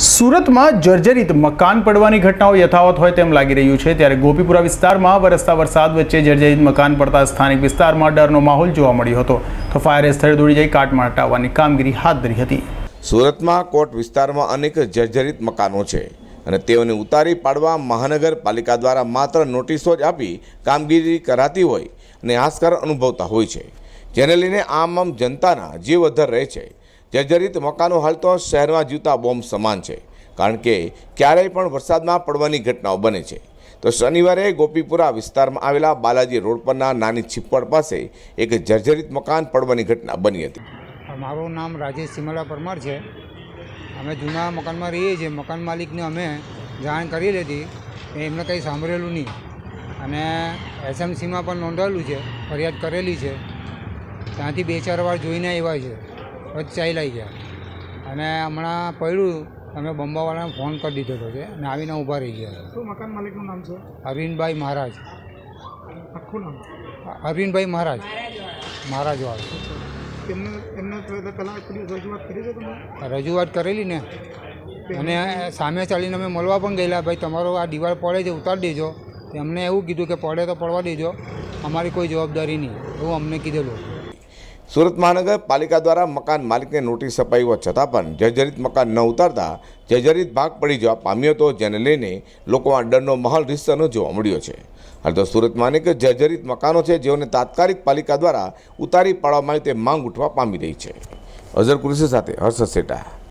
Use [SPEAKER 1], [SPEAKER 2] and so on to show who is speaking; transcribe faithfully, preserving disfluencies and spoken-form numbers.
[SPEAKER 1] સુરતમાં જર્જરિત મકાન પડવાની ઘટનાઓ યથાવત હોય તેમ લાગી રહ્યું છે। ત્યારે ગોપીપુરા વિસ્તારમાં વરસતા વરસાદ વચ્ચે જર્જરિત મકાન પડતા સ્થાનિક વિસ્તારમાં ડરનો માહોલ જોવા મળ્યો હતો, તો ફાયરે સ્થળે દોડી જઈ કાટમાળ હટાવવાની કામગીરી હાથ ધરી હતી।
[SPEAKER 2] સુરતમાં કોટ વિસ્તારમાં અનેક જર્જરિત મકાનો છે અને તેઓને ઉતારી પાડવા મહાનગરપાલિકા દ્વારા માત્ર નોટિસો જ આપી કામગીરી કરાતી હોય અને હાશકાર અનુભવતા હોય છે, જેને લઈને આમ આમ જનતાના જીવ અધ્ધર રહે છે। જર્જરિત મકાનો હાલ તો શહેરમાં જીવતા બોમ્બ સમાન છે, કારણ કે ક્યારેય પણ વરસાદમાં પડવાની ઘટનાઓ બને છે। તો શનિવારે ગોપીપુરા વિસ્તારમાં આવેલા બાલાજી રોડ પરના નાની છીપવડ પાસે એક જર્જરિત મકાન પડવાની ઘટના બની હતી।
[SPEAKER 3] મારું નામ રાજેશ સિમલા પરમાર છે। અમે જૂના મકાનમાં રહીએ છીએ। મકાન માલિકને અમે જાણ કરી લીધી, એમને કંઈ સાંભળેલું નહીં અને એસએમસીમાં પણ નોંધાયેલું છે, ફરિયાદ કરેલી છે। ત્યાંથી બે ચાર વાર જોઈને આવ્યા છે, પછી ચાલ્યા ગયા અને હમણાં પડ્યું અમે બંબાવાળાને ફોન કરી દીધેલો છે અને આવીને ઊભા રહી ગયા।
[SPEAKER 4] શું મકાન માલિકનું નામ છે?
[SPEAKER 3] અરવિંદભાઈ મહારાજ।
[SPEAKER 4] આખું નામ?
[SPEAKER 3] અરવિંદભાઈ મહારાજ મહારાજવાળા।
[SPEAKER 4] તેમને એમને પહેલાં રજૂઆત કરી છે તમે?
[SPEAKER 3] રજૂઆત કરેલી ને, અને સામે ચાલીને અમે મળવા પણ ગયેલા, ભાઈ તમારો આ દિવાલ પડે છે ઉતારી દેજો। એમને એવું કીધું કે પડે તો પડવા દેજો, અમારી કોઈ જવાબદારી નહીં, એવું અમને કીધેલું।
[SPEAKER 2] સુરત મહાનગરપાલિકા દ્વારા મકાન માલિકને નોટિસ અપાઈ હોવા છતાં પણ જર્જરિત મકાન ન ઉતારતા જર્જરિત ભાગ પડી જવા પામ્યો હતો, જેને લઈને લોકોમાં ડરનો માહોલ રીસનો જોવા મળ્યો છે। હાલ તો સુરતમાં અનેક જર્જરિત મકાનો છે, જેઓને તાત્કાલિક પાલિકા દ્વારા ઉતારી પાડવામાં આવે તે માંગ ઉઠવા પામી રહી છે। અઝર કુરેશી સાથે હર્ષદ સેટા।